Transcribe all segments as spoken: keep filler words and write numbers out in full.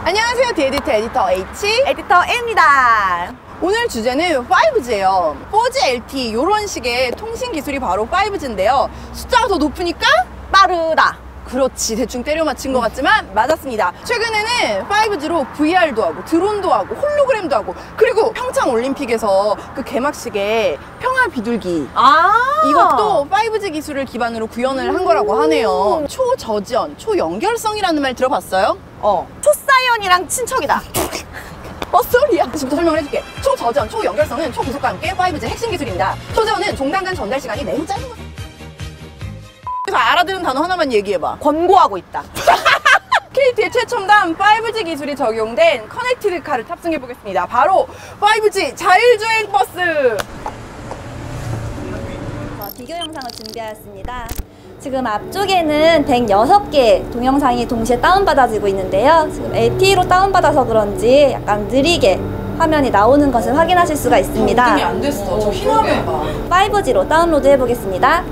안녕하세요. 디에디트 에디터 H 에디터 A입니다. 오늘 주제는 파이브지예요. 포지, 엘티이 이런 식의 통신 기술이 바로 파이브지인데요. 숫자가 더 높으니까 빠르다. 그렇지, 대충 때려 맞힌 것 같지만 맞았습니다. 최근에는 파이브지로 브이알도 하고 드론도 하고 홀로그램도 하고, 그리고 평창올림픽에서 그 개막식에 평화 비둘기, 아 이것도 파이브지 기술을 기반으로 구현을 한 거라고 하네요. 초저지연, 초연결성이라는 말 들어봤어요? 어 초사이언이랑 친척이다. 헛소리야. 지금부터 설명을 해줄게. 초저지연, 초연결성은 초고속과 함께 파이브지의 핵심 기술입니다. 초저지연은 종단 간 전달 시간이 매우 짧은 것. 그래서 알아들은 단어 하나만 얘기해봐. 권고하고 있다. 케이티의 최첨단 파이브지 기술이 적용된 커넥티드 카를 탑승해보겠습니다. 바로 파이브지 자율주행 버스! 비교 영상을 준비하였습니다. 지금 앞쪽에는 백육 개 동영상이 동시에 다운받아지고 있는데요. 지금 엘티이로 다운받아서 그런지 약간 느리게 화면이 나오는 것을 확인하실 수가 있습니다. 오픈이 안 됐어. 저 흰 화면 봐. 파이브지로 다운로드 해보겠습니다.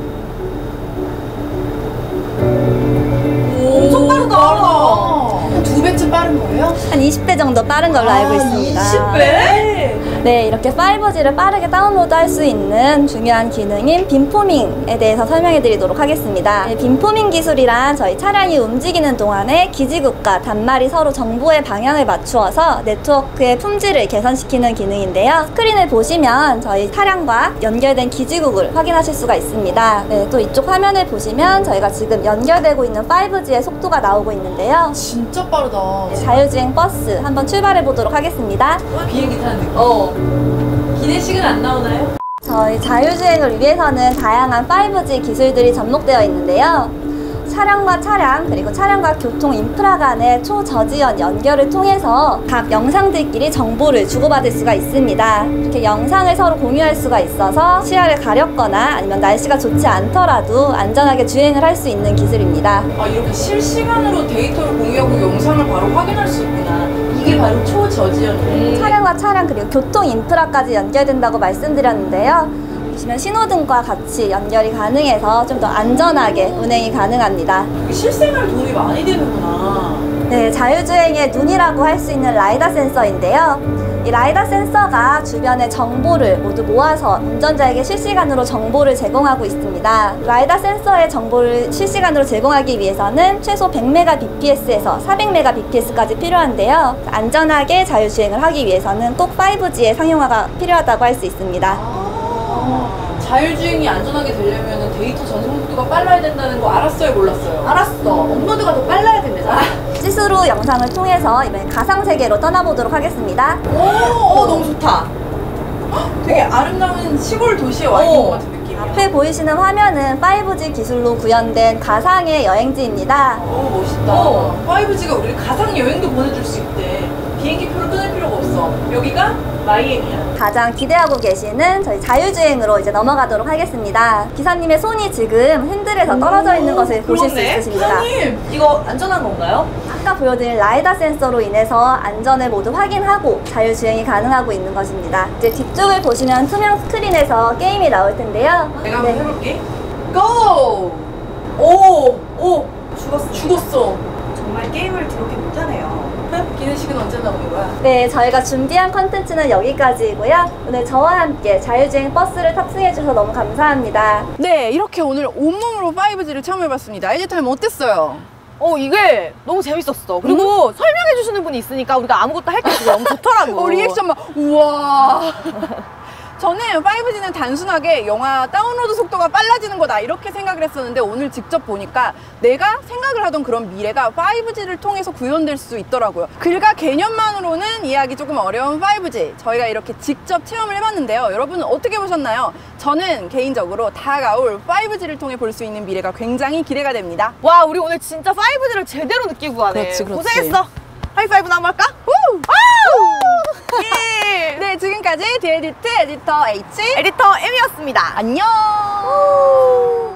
엄청 빠르다. 두 배쯤 빠른 거예요? 한 이십 배 정도 빠른 걸로 알고 있습니다. 이십 배? 네, 이렇게 파이브지를 빠르게 다운로드 할 수 있는 중요한 기능인 빔포밍에 대해서 설명해 드리도록 하겠습니다. 네, 빔포밍 기술이란 저희 차량이 움직이는 동안에 기지국과 단말이 서로 정보의 방향을 맞추어서 네트워크의 품질을 개선시키는 기능인데요. 스크린을 보시면 저희 차량과 연결된 기지국을 확인하실 수가 있습니다. 네, 또 이쪽 화면을 보시면 저희가 지금 연결되고 있는 파이브지의 속도가 나오고 있는데요. 진짜 빠르다. 네, 자율주행 버스 한번 출발해 보도록 하겠습니다. 비행기 타는 느낌. 어. 기내식은 안 나오나요? 저희 자율주행을 위해서는 다양한 파이브지 기술들이 접목되어 있는데요. 차량과 차량 그리고 차량과 교통 인프라 간의 초저지연 연결을 통해서 각 영상들끼리 정보를 주고받을 수가 있습니다. 이렇게 영상을 서로 공유할 수가 있어서 시야를 가렸거나 아니면 날씨가 좋지 않더라도 안전하게 주행을 할 수 있는 기술입니다. 아, 이렇게 실시간으로 데이터를 공유하고 영상을 바로 확인할 수 있구나. 이게 바로 초저지연이네. 차량과 차량 그리고 교통 인프라까지 연결된다고 말씀드렸는데요. 보시면 신호등과 같이 연결이 가능해서 좀 더 안전하게 운행이 가능합니다. 실생활 도움이 많이 되는구나. 네, 자율주행의 눈이라고 할 수 있는 라이다 센서인데요. 이 라이다 센서가 주변의 정보를 모두 모아서 운전자에게 실시간으로 정보를 제공하고 있습니다. 라이다 센서의 정보를 실시간으로 제공하기 위해서는 최소 백 메가비피에스에서 사백 메가비피에스까지 필요한데요. 안전하게 자율주행을 하기 위해서는 꼭 파이브지의 상용화가 필요하다고 할 수 있습니다. 아, 자율주행이 안전하게 되려면 데이터 전송 속도가 빨라야 된다는 거 알았어요, 몰랐어요? 알았어. 업로드가 더 빨라야 된대잖아. 시스루 영상을 통해서 이번엔 가상세계로 떠나보도록 하겠습니다. 오, 오, 너무 좋다. 되게 아름다운 시골 도시에 와 있는 것 같은 느낌이야. 앞에 보이시는 화면은 파이브지 기술로 구현된 가상의 여행지입니다. 오, 멋있다. 어, 파이브지가 우리 가상 여행도 보내줄 수 있대. 비행기 표를 끊을 필요가 없어. 여기가 마이애미야. 가장 기대하고 계시는 저희 자율주행으로 이제 넘어가도록 하겠습니다. 기사님의 손이 지금 핸들에서 떨어져 있는 것을 보실 수 있으십니다. 기사님, 이거 안전한 건가요? 아까 보여드린 라이다 센서로 인해서 안전을 모두 확인하고 자율주행이 가능하고 있는 것입니다. 이제 뒤쪽을 보시면 투명 스크린에서 게임이 나올 텐데요. 내가 한번 해볼게. 고! 오! 오! 죽었어. 죽었어. 정말 게임을 더럽게 못하네요. 기내식은 언제 나오는 거야? 네, 저희가 준비한 컨텐츠는 여기까지이고요. 오늘 저와 함께 자율주행 버스를 탑승해 주셔서 너무 감사합니다. 네, 이렇게 오늘 온몸으로 파이브지를 체험해봤습니다. 에디타임 어땠어요? 어 이게 너무 재밌었어. 그리고 설명해 주시는 분이 있으니까 우리가 아무것도 할 게 없어. 너무 좋더라고. 어, 리액션만 우와. 저는 파이브지는 단순하게 영화 다운로드 속도가 빨라지는 거다 이렇게 생각을 했었는데, 오늘 직접 보니까 내가 생각을 하던 그런 미래가 파이브지를 통해서 구현될 수 있더라고요. 글과 개념만으로는 이해하기 조금 어려운 파이브지, 저희가 이렇게 직접 체험을 해봤는데요. 여러분은 어떻게 보셨나요? 저는 개인적으로 다가올 파이브지를 통해 볼 수 있는 미래가 굉장히 기대가 됩니다. 와 우리 오늘 진짜 파이브지를 제대로 느끼고 가네. 그렇지, 그렇지. 고생했어. 하이파이브나 한번 할까? 우! 예! 네, 지금까지 디에디트 에디터 H 에디터 M이었습니다. 안녕.